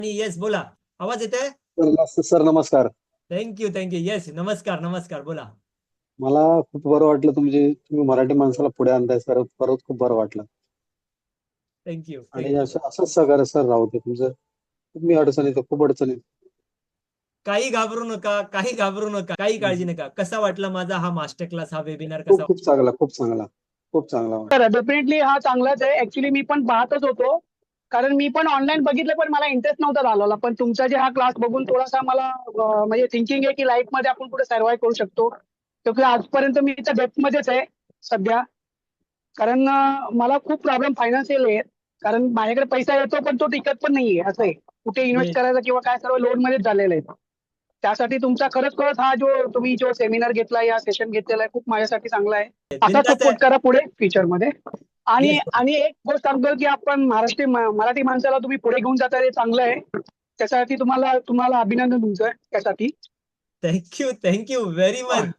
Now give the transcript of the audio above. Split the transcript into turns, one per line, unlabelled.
Yes बोला. आवाज येते?
सर नमस्कार.
थँक्यू येस नमस्कार बोला.
मला खूप बरं वाटलं तुम्ही मराठी माणसाला पुढे आणताय सर. परत खूप बरं वाटलं.
थँक्यू
आणि असंच सहकार्य सर राहू दे तुमचं. तुम्ही अडचणीत खूप अडचणीत.
काही घाबरू नका, काही काळजी नका. कसा वाटला माझा हा मास्टर क्लास, हा वेबिनार
खूप
कसा?
खूप चांगला खूप चांगला खूप चांगला.
तर डेफिनेटली हा चांगलाच आहे. ऍक्च्युली मी पण पाहतच होतो, कारण मी पण ऑनलाईन बघितलं, पण मला इंटरेस्ट नव्हता झालेला. पण तुमचा जे हा क्लास बघून थोडासा मला म्हणजे थिंकिंग आहे की लाईफ मध्ये आपण पुढे सर्व्हाइव्ह करू शकतो. क्योंकि आजपर्यंत मी त्या डेप्थ मध्येच आहे सध्या. कारण मला खूप प्रॉब्लेम फायनान्शियल आहे. कारण माझ्याकडे पैसा येतो पण तो टिकत पण नाहीये. असं आहे, कुठे इन्व्हेस्ट करायचा किंवा काय, सर्व लोन मध्येच झालेलं आहे. त्यासाठी तुमचा खरंच हा तुम्ही जो सेमिनार घेतला, या सेशन घेतलेला आहे, खूप माझ्यासाठी चांगला आहे. असा सपोर्ट करा पुढे फ्युचर मध्ये. आणि आणि एक गोष्ट सांगतो की आपण मराठी माणसाला तुम्ही पुढे घेऊन जाता, हे चांगलं आहे. त्यासाठी तुम्हाला अभिनंदन तुमचं त्यासाठी.
Thank you very much.